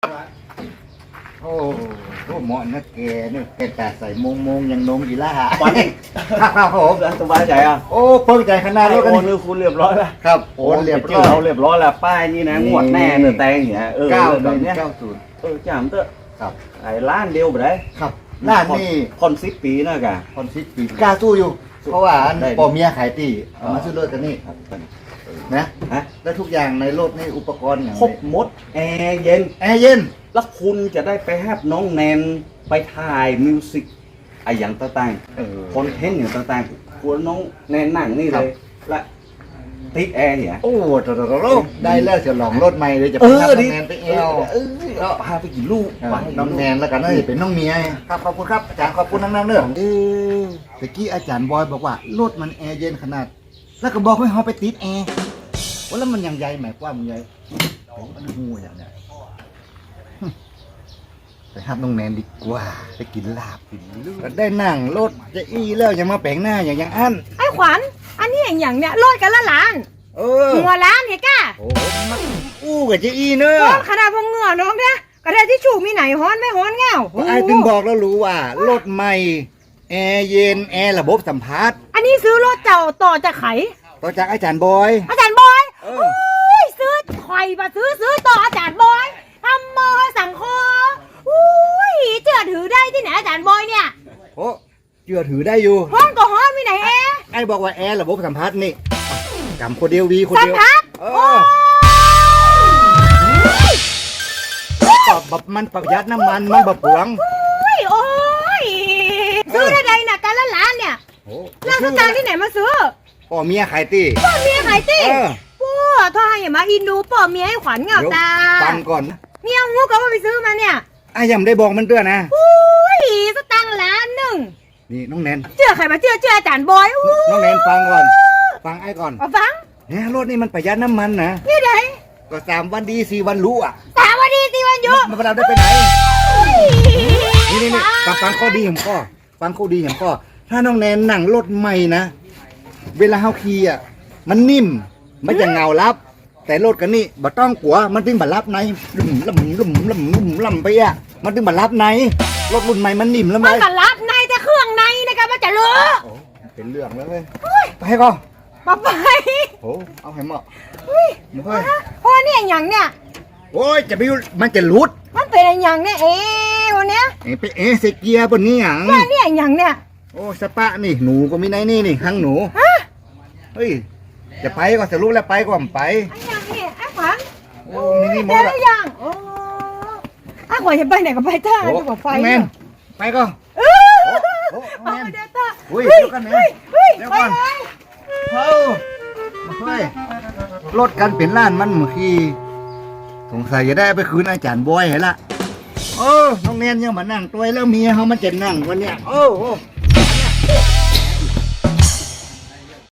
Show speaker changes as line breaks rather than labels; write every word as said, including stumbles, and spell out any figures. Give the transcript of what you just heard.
โอ้โหเหมาะนะแกเนี่ยแกแต่ใส่มงมงยังนงอีล่า
ไป
ครับผม
สบายใจอ่ะ
โอ้เพิ่งใจขนาด
โอ
นี้กัน
นคือคุณเรียบร้อยแล้ว
ครับ
โอ
โอน น
เรี
เรี
ย
ย
บบ ร้
ร้
อ
อย ย
เราเรียบร้อยแล้วป้ายนี่นะงวดแน่เนื้อแตงอย่างเงี้ยเออ
เก้า
แบ
หนึ่
บ
ง
เนี้ย
เก้าศูนย์
เออจามเตอะ
ครับ
ไอ้ล้านเดียวไปได้
ครับร้านนี่
คอนสิบปีนะกะ
คอนซิสปีกล้าสู้อยู่ เพราะว่าอัน
ได้
ปอเมียขายตีเอามาซื้อรถกันนี่
ครับ
นะ
ฮะ
ได้ทุกอย่างในรถนี่อุปกรณ์อย่าง
ครบหมดแอร์เย็น
แอร์เย็น
แล้วคุณจะได้ไปแฮปน้องแนนไปถ่ายมิวสิกไอ้อย่างต่าง
เออ
ๆคอนเทนต์อย่างต่างๆกลัวน้องแนนนั่งนี่
ครั
เล
บ
ยและติดแอร์เนี่ย
โอ้โหได้แล้วจะลองรถใหม่เลยจะ
เอ
ไป
อ
ทำ
ดิ
แนนไปเอว
เออเออพาไปกี่ลูกไป
น้องแนนแล้วกันน่าจะเป็นน้องเมียครับขอบคุณครับอาจารย์ขอบคุณนั่งๆเนอะเออตะกี้อาจารย์บอยบอกว่ารถมันแอร์เย็นขนาด แล้วก็บอกให้เขาไปติดแอร์ว่าแล้วมันยังใหญ่หมายความมันใหญ่โอ้มันหูอย่างเนี้ยฮึไปหับน้องแนนดีกว่าไปกินลาบกินลูกได้นั่งรถจะอี้แล้วยังมาแปลงหน้าอย่างยังอัน
ไอ้ขวัญ อันนี้อย่างอย่างเนี่ยโลดกันละล้าน
เออ
หัวล้านเห็นก้า
โอ้มันอู้กับจะอี้เนอะ
โอ้ขนาดพงเหงื่อน้องเนี่ยกระดาษที่ชูมีไหนฮ้อนไม่ฮ้อนเงา
เพราะไอ้ถึงบอกแล้วรู้ว่ารถใหม่แอร์เย็นแอร์ระบบสัมผัส
อันนี้ซื้อรถเจ้าต่อจากไข
ต่อจากอาจารย์บอย
อาจารย์บอย
เออ
โอ้ยซื้อไข่มาซื้อซื้อต่ออาจารย์บอยทำมอสังคออุ้ยเจือถือได้ที่ไหนอาจารย์บอยเนี่ย
โอ้เชื่อถือได้อยู่
ฮ้อนก็ฮ้อนมีไหนแอร์
ไอ้บอกว่าแอร์ระบบสัมผัสนี่จำคนเดียววีคน
สัม
เดียว
ผัส
เอ
โอ้
อย ปรับแบบมันประหยัดน้ำมันมันแบบเปลือง
อุ้ยโอ้ยซื้อได้ไงน่ะกันละล้านเนี่ย
โอ้
ร้านสตางค์ที่ไหนมาซื้อ
พ่อเมียขายตี
ป่อเมียขายตี
เออ
ป้อถ้าอย่ามาอินดูป่อเมียให้ขวัญเหงา
เดี๋ยว
ตา
ฟังก่อน
เมียงูก็ว่าไปซื้อมาเนี่ย
ไอ้ยังได้บอกมันด้วยนะ
อุ้ยสตังค์ล้านหนึ่ง
นี่น้องแนน
เชื่อใครมาเชื่อเชื่ออาจารย์บอยอู้
น้องแนนฟังก่อน ฟังไอ้ก่อน
เอาฟัง
เนี่ยรถนี่มันประหยัดน้ำมันนะ
นี่ไหน
ก็สามวันดีสี่วันรู้อ่ะ
สามวันดีสี่วันหยุ
มันเราได้ไปไหน นี่นี่นี่ฟังฟังข้อดีของพ่อฟังข้อดีของพ่อถ้าน้องแนนนั่งรถใหม่นะ เวลาเฮาขี่อ่ะ มันนิ่ม มันจะเงารับ แต่รถกันนี่บ่ต้องกลัว มันถึงบ่รับในลุ่มลุ่มลุ่มลุ่มลุ่มลุ่มไปอ่ะ มันถึงบ่รับใน รถรุ่นใหม่มันนิ่มแล้วไหม
มันก็รับในแต่เครื่องในนะครับมันจะเลอะ
โอ้เป็นเรื่องแล้วเว้ยไปก่อน
มาไป
โอ้เอาให้เหมาะ
เฮ้ย
เฮ้ย
เพราะเนี่ยอย่างเนี่ย
โอ้ยจะไปอยู่มันจะหลุด
มันเป็นอย่างเนี่ยเอ๊ะวันเนี้ย
เอ้ไปเอะเสกเกียร์บนนี้หยัง
ว่าเนี่ยอย่างเนี่ย
โอ้สปะนี่หนูก็มีในนี่นี่หังหนู
ฮะ
เฮ้ย จะไปก็จะรู้แล้วไปก็ไม่ไป
ไอ้อย่างเนี่ยไอ้ขวัญ
โอ้มีนี่หม
เดี๋ย
ด
ว
อะ
ได้ยังโอ้ไอ้ขวัญจะไปไหนก็ไปท่า
โอ้
จะบอกไฟ
แม
เนี่ย
นไปก็
เออ
โอ้โอ้
เอา
แมน
ไปเดี๋ยวท่า
อุ้ย
เฮ้ย
เดี๋ยวกันนะ
เฮ้ยเฮ้ย
เดี๋ยว
ไป
ก่อน
เลย
เฮ้ยเฮ้ยรถกันเป็นล้านมันเมื่อกี้สงสัยจะได้ไปคืนอาจารย์บอยเหรอละโอ้น้องเนียนยังมานั่งตัวแล้วเมียเขามันจะนั่งวันเนี้ยโอ้โอ้